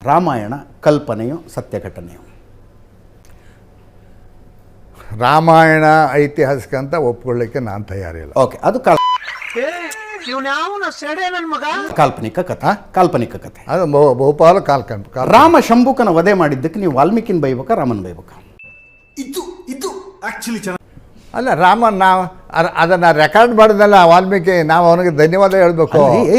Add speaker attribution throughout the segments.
Speaker 1: ರಾಮಾಯಣ ಕಲ್ಪನೆಯೋ ಸತ್ಯ ಘಟನೆಯೋ?
Speaker 2: ರಾಮಾಯಣ ಐತಿಹಾಸಿಕ ಅಂತ ಒಪ್ಕೊಳ್ಳಿಕ್ಕೆ ನಾನು ತಯಾರಿಲ್ಲ.
Speaker 1: ಓಕೆ, ಅದು ಕಾಲ್ಪನಿಕ ಕಥೆ. ಕಾಲ್ಪನಿಕ ಕಥೆ
Speaker 2: ಅದು ಬಹುಪಾಲು ಕಾಲ್ಪನಿಕ.
Speaker 1: ರಾಮ ಶಂಭುಕನ ವಧೆ ಮಾಡಿದ್ದಕ್ಕೆ ನೀವು ವಾಲ್ಮೀಕಿನ ಬೈಬೇಕಾ ರಾಮನ ಬೈಬೇಕಾ?
Speaker 3: ಇದು ಆಕ್ಚುಲಿ
Speaker 2: ಅಲ್ಲ, ರಾಮನ್ ನಾವು ಅದನ್ನ ರೆಕಾರ್ಡ್ ಮಾಡಿದಲ್ಲ ವಾಲ್ಮೀಕಿ, ನಾವು ಅವನಿಗೆ ಧನ್ಯವಾದ ಹೇಳ್ಬೇಕು.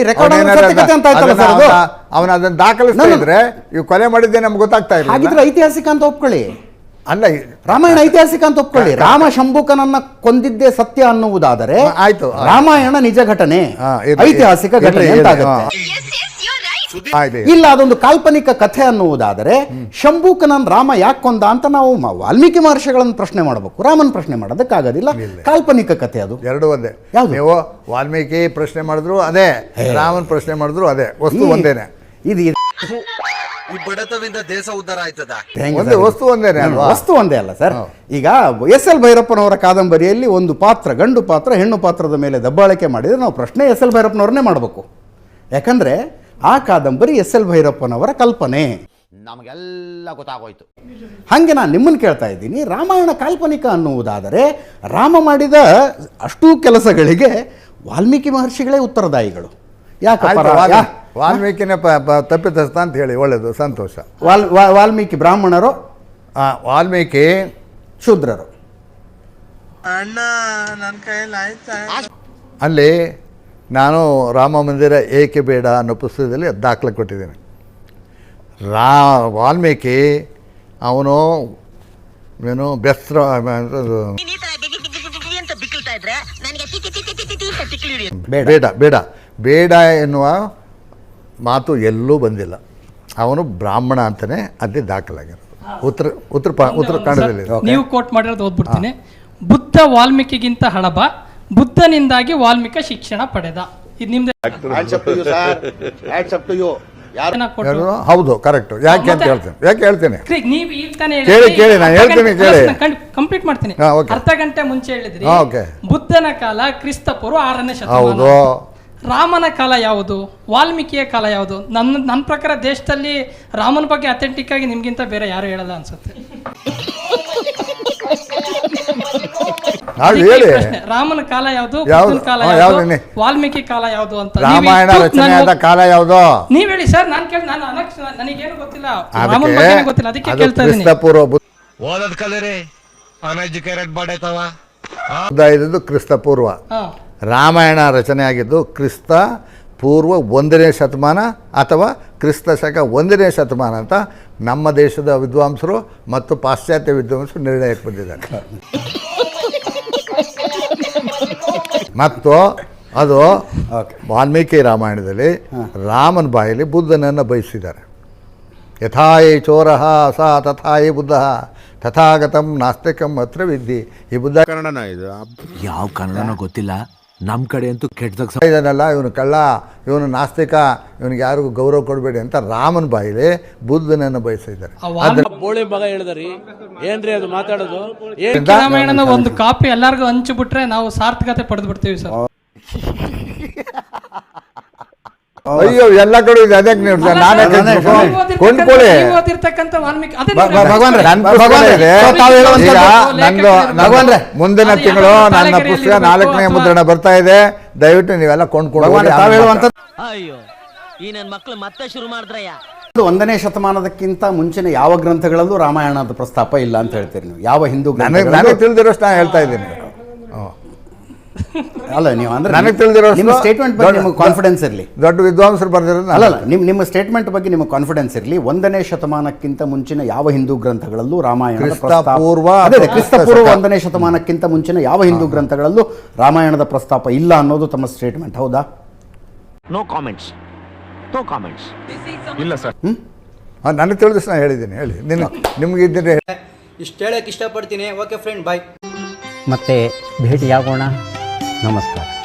Speaker 2: ಅವನ ಅದನ್ನ ದಾಖಲಿಸ್ತಾ ಇದ್ರೆ ಇವು ಕೊಲೆ ಮಾಡಿದ್ದೆ ನಮ್ಗೆ ಗೊತ್ತಾಗ್ತಾ ಇಲ್ಲ.
Speaker 1: ಹಾಗಿದ್ರೆ ಐತಿಹಾಸಿಕ ಅಂತ ಒಪ್ಕೊಳ್ಳಿ.
Speaker 2: ಅಲ್ಲ,
Speaker 1: ರಾಮಾಯಣ ಐತಿಹಾಸಿಕ ಅಂತ ಒಪ್ಕೊಳ್ಳಿ. ರಾಮ ಶಂಭುಕನನ್ನ ಕೊಂದಿದ್ದೇ ಸತ್ಯ ಅನ್ನುವುದಾದರೆ
Speaker 2: ಆಯ್ತು,
Speaker 1: ರಾಮಾಯಣ ನಿಜ ಘಟನೆ, ಐತಿಹಾಸಿಕ ಘಟನೆ ಅಂತಾಗುತ್ತೆ. ಇಲ್ಲ, ಅದೊಂದು ಕಾಲ್ಪನಿಕ ಕಥೆ ಅನ್ನುವುದಾದರೆ ಶಂಭುಕನನ್ ರಾಮ ಯಾಕೆ ಕೊಂದ ಅಂತ ನಾವು ವಾಲ್ಮೀಕಿ ಮಹರ್ಷಿಗಳನ್ನು ಪ್ರಶ್ನೆ ಮಾಡಬೇಕು, ರಾಮನ್ ಪ್ರಶ್ನೆ ಮಾಡೋದಕ್ಕಾಗೋದಿಲ್ಲ. ಕಾಲ್ಪನಿಕ ಕಥೆ ಅದು
Speaker 2: ಎರಡು ಒಂದೇ. ನೀವು ವಾಲ್ಮೀಕಿ ಪ್ರಶ್ನೆ ಮಾಡಿದ್ರು ಅದೇ, ರಾಮನ್ ಪ್ರಶ್ನೆ ಮಾಡಿದ್ರು ಅದೇ, ವಸ್ತು ಒಂದೇನೆ.
Speaker 1: ಇದು
Speaker 3: ಈ ಬಡತವಿಂದ ದೇಶ ಉದ್ಧಾರ ಆಯ್ತದ.
Speaker 2: ವಸ್ತು ಒಂದೇನೆ,
Speaker 1: ವಸ್ತು ಒಂದೇ ಅಲ್ಲ ಸರ್. ಈಗ ಎಸ್.ಎಲ್. ಭೈರಪ್ಪನವರ ಕಾದಂಬರಿಯಲ್ಲಿ ಒಂದು ಪಾತ್ರ, ಗಂಡು ಪಾತ್ರ ಹೆಣ್ಣು ಪಾತ್ರದ ಮೇಲೆ ದಬ್ಬಾಳಿಕೆ ಮಾಡಿದರೆ ನಾವು ಪ್ರಶ್ನೆ ಎಸ್.ಎಲ್. ಭೈರಪ್ಪನವ್ರನ್ನೇ ಮಾಡಬೇಕು. ಯಾಕಂದ್ರೆ ಆ ಕಾದಂಬರಿ ಎಸ್.ಎಲ್. ಭೈರಪ್ಪನವರ ಕಲ್ಪನೆ,
Speaker 4: ನಮಗೆಲ್ಲ ಗೊತ್ತಾಗೋಯ್ತು.
Speaker 1: ಹಾಗೆ ನಾನು ನಿಮ್ಮನ್ನು ಕೇಳ್ತಾ ಇದ್ದೀನಿ, ರಾಮಾಯಣ ಕಾಲ್ಪನಿಕ ಅನ್ನುವುದಾದರೆ ರಾಮ ಮಾಡಿದ ಅಷ್ಟೂ ಕೆಲಸಗಳಿಗೆ ವಾಲ್ಮೀಕಿ ಮಹರ್ಷಿಗಳೇ ಉತ್ತರದಾಯಿಗಳು. ಯಾಕಪ್ಪ?
Speaker 2: ವಾಲ್ಮೀಕಿನ ತಪ್ಪಿತಸ್ಥ ಅಂತ ಹೇಳಿ, ಒಳ್ಳೇದು, ಸಂತೋಷ.
Speaker 1: ವಾಲ್ಮೀಕಿ ಬ್ರಾಹ್ಮಣರು,
Speaker 2: ವಾಲ್ಮೀಕಿ
Speaker 1: ಶೂದ್ರರು.
Speaker 3: ಅಣ್ಣ ನನ್ನ ಕೈಯಲ್ಲಿ ಆಯ್ತಾ?
Speaker 2: ಅಲ್ಲಿ ನಾನು ರಾಮ ಮಂದಿರ ಏಕೆ ಬೇಡ ಅನ್ನೋ ಪುಸ್ತಕದಲ್ಲಿ ದಾಖಲೆ ಕೊಟ್ಟಿದ್ದೀನಿ. ವಾಲ್ಮೀಕಿ ಅವನು ಏನು ಬೆಸ್ರ ಬೇಡ ಎನ್ನುವ ಮಾತು ಎಲ್ಲೂ ಬಂದಿಲ್ಲ. ಅವನು ಬ್ರಾಹ್ಮಣ ಅಂತಲೇ ಅಲ್ಲಿ ದಾಖಲಾಗಿರೋದು. ಉತ್ತರ ಕನ್ನಡದಲ್ಲಿ
Speaker 5: ನೀವು ಕೋಟ್ ಮಾಡಿರೋದು ಓದ್ಬಿಡ್ತೀನಿ. ಬುದ್ಧ ವಾಲ್ಮೀಕಿಗಿಂತ ಹಳಬ, ಬುದ್ಧನಿಂದಾಗಿ ವಾಲ್ಮೀಕಿ ಶಿಕ್ಷಣ ಪಡೆದ. ಇದು ನಿಮ್ದೆ.
Speaker 2: ಹೌದು, ಕರೆಕ್ಟ್. ಯಾಕೆ ಅಂತ ಹೇಳ್ತೇನೆ.
Speaker 5: ನೀವು ಈಗ ತಾನೇ
Speaker 2: ಕೇಳಿ, ನಾನು ಹೇಳ್ತೀನಿ, ಕೇಳಿ,
Speaker 5: ಕಂಪ್ಲೀಟ್ ಮಾಡ್ತೀನಿ. ಅರ್ಧ ಗಂಟೆ ಮುಂಚೆ ಹೇಳಿದ್ರಿ ಬುದ್ಧನ ಕಾಲ ಕ್ರಿಸ್ತ ಪೂರ್ವ 6ನೇ ಶತಮಾನ. ರಾಮನ ಕಾಲ ಯಾವುದು, ವಾಲ್ಮೀಕಿಯ ಕಾಲ ಯಾವುದು? ನನ್ನ ಪ್ರಕಾರ ದೇಶದಲ್ಲಿ ರಾಮನ ಬಗ್ಗೆ ಅಥೆಂಟಿಕ್ ಆಗಿ ನಿಮ್ಗಿಂತ ಬೇರೆ ಯಾರು ಹೇಳಲ್ಲ ಅನ್ಸುತ್ತೆ. ರಾಮನ ಕಾಲ ಯಾವುದು, ಬುದ್ಧನ ಕಾಲ ಯಾವುದು, ವಾಲ್ಮೀಕಿ ಕಾಲ ಯಾವುದು ಅಂತ
Speaker 2: ರಾಮಾಯಣ ರಚನೆಯಾದ ಕಾಲ ಯಾವುದು
Speaker 5: ನೀವ್ ಹೇಳಿ ಸರ್. ನನಗೇನು ಗೊತ್ತಿಲ್ಲ, ರಾಮನ ಬಗ್ಗೆ ಗೊತ್ತಿಲ್ಲ, ಅದಕ್ಕೆ ಕೇಳ್ತಾ ಇದ್ದೀನಿ.
Speaker 3: ಓದದ್ ಕಲರಿ ಅನ್ಎಜುಕೇಟೆಡ್ ಬಾಡೈತವ.
Speaker 2: ಕ್ರಿಸ್ತ ಪೂರ್ವ. ರಾಮಾಯಣ ರಚನೆ ಆಗಿದ್ದು ಕ್ರಿಸ್ತ ಪೂರ್ವ 1ನೇ ಶತಮಾನ ಅಥವಾ ಕ್ರಿಸ್ತ ಶಕ 1ನೇ ಶತಮಾನ ಅಂತ ನಮ್ಮ ದೇಶದ ವಿದ್ವಾಂಸರು ಮತ್ತು ಪಾಶ್ಚಾತ್ಯ ವಿದ್ವಾಂಸರು ನಿರ್ಣಯಕ್ಕೆ ಬಂದಿದ್ದಾರೆ. ಮತ್ತು ಅದು ವಾಲ್ಮೀಕಿ ರಾಮಾಯಣದಲ್ಲಿ ರಾಮನ ಬಾಯಲ್ಲಿ ಬುದ್ಧನನ್ನು ಬಯಸಿದ್ದಾರೆ. ಯಥಾಯಿ ಚೋರಃ ಸ ತಥಾಯಿ ಬುದ್ಧ ತಥಾಗತಂ ನಾಸ್ತಿಕಂ ಅತ್ರ ವಿದ್ಯೆ. ಈ ಬುದ್ಧ
Speaker 4: ಕನ್ನಡನ ಇದು ಯಾವ ಕನ್ನಡನೋ ಗೊತ್ತಿಲ್ಲ, ನಮ್ಮ ಕಡೆ ಅಂತೂ ಕೆಟ್ಟದಾಗ
Speaker 2: ಇದನ್ನೆಲ್ಲ ಇವನು ಕಳ್ಳ, ಇವನು ನಾಸ್ತಿಕ, ಇವನಿಗೆ ಯಾರಿಗೂ ಗೌರವ ಕೊಡಬೇಡಿ ಅಂತ ರಾಮನ ಬಾಯಿಲಿ ಬುದ್ಧನನ್ನು ಬಯಸಿದ್ದಾರೆ.
Speaker 6: ಬೋಳಿ ಮಗ ಹೇಳಿದ್ರಿ ಏನ್ರಿ ಅದು ಮಾತಾಡೋದು?
Speaker 5: ರಾಮಾಯಣನ ಒಂದು ಕಾಪಿ ಎಲ್ಲರಿಗೂ ಹಂಚಿಬಿಟ್ರೆ ನಾವು ಸಾರ್ಥಕತೆ ಪಡೆದು ಬಿಡ್ತೀವಿ ಸರ್.
Speaker 2: ಅಯ್ಯೋ, ಎಲ್ಲ ಕಡೆ ಇದೆ. ಅದಕ್ಕೆ ನಾನೇ ಕೊಂಡ್ಕೊಳ್ಳಿ. ಮುಂದಿನ ತಿಂಗಳು ನನ್ನ ಪುಸ್ತಕ 4ನೇ ಮುದ್ರಣ ಬರ್ತಾ ಇದೆ. ದಯವಿಟ್ಟು ನೀವೆಲ್ಲ ಕೊಂಡ್ಕೊಳ್ಳಿ.
Speaker 7: ಅಯ್ಯೋ, ಈ ನನ್ನ ಮಕ್ಕಳು ಮತ್ತೆ ಶುರು ಮಾಡಿದ್ರಯ್ಯ.
Speaker 1: 1ನೇ ಶತಮಾನದಕ್ಕಿಂತ ಮುಂಚಿನ ಯಾವ ಗ್ರಂಥಗಳಲ್ಲೂ ರಾಮಾಯಣದ ಪ್ರಸ್ತಾಪ ಇಲ್ಲ ಅಂತ ಹೇಳ್ತೀರಿ ನೀವು? ಯಾವ ಹಿಂದೂ
Speaker 2: ನನಗೆ ತಿಳಿದಿರೋಷ್ಟು ನಾನು ಹೇಳ್ತಾ ಇದ್ದೀನಿ.
Speaker 1: ಅಲ್ಲ, ನೀವು ಅಂದ್ರೆ
Speaker 2: ನನಗೆ ತಿಳಿದಿರೋ
Speaker 1: ನಿಮ್ಮ ಸ್ಟೇಟ್ಮೆಂಟ್ ಬಗ್ಗೆ ನಿಮಗೆ ಕಾನ್ಫಿಡೆನ್ಸ್ ಇರಲಿ.
Speaker 2: ದೊಡ್ಡ ವಿದ್ವಾಂಸರು ಬರ್ದಿರೋದು
Speaker 1: ಅಲ್ಲ, ನಿಮ್ಮ ಸ್ಟೇಟ್ಮೆಂಟ್ ಬಗ್ಗೆ ನಿಮಗೆ ಕಾನ್ಫಿಡೆನ್ಸ್ ಇರಲಿ. 1ನೇ ಶತಮಾನಕ್ಕಿಂತ ಮುಂಚಿನ ಯಾವ ಹಿಂದೂ ಗ್ರಂಥಗಳಲ್ಲೂ ರಾಮಾಯಣದ
Speaker 2: ಪೂರ್ವ
Speaker 1: ಕ್ರಿಸ್ತ ಪೂರ್ವ 1ನೇ ಶತಮಾನಕ್ಕಿಂತ ಮುಂಚಿನ ಯಾವ ಹಿಂದೂ ಗ್ರಂಥಗಳಲ್ಲೂ ರಾಮಾಯಣದ ಪ್ರಸ್ತಾಪ ಇಲ್ಲ ಅನ್ನೋದು ತಮ್ಮ ಸ್ಟೇಟ್ಮೆಂಟ್, ಹೌದಾ?
Speaker 7: No comments.
Speaker 3: ಇಲ್ಲ ಸರ್.
Speaker 2: ನನಗೆ ತಿಳಿದಷ್ಟು ನಾನು ಹೇಳಿದ್ದೀನಿ. ಹೇಳಿ, ನಿಮ್ಗೆ ಇದ್ದರೆ
Speaker 8: ಇಷ್ಟು ಹೇಳಕ್ಕೆ ಇಷ್ಟಪಡ್ತೀನಿ. Okay friend, bye.
Speaker 9: ಮತ್ತೆ ಭೇಟಿಯಾಗೋಣ. ನಮಸ್ಕಾರ.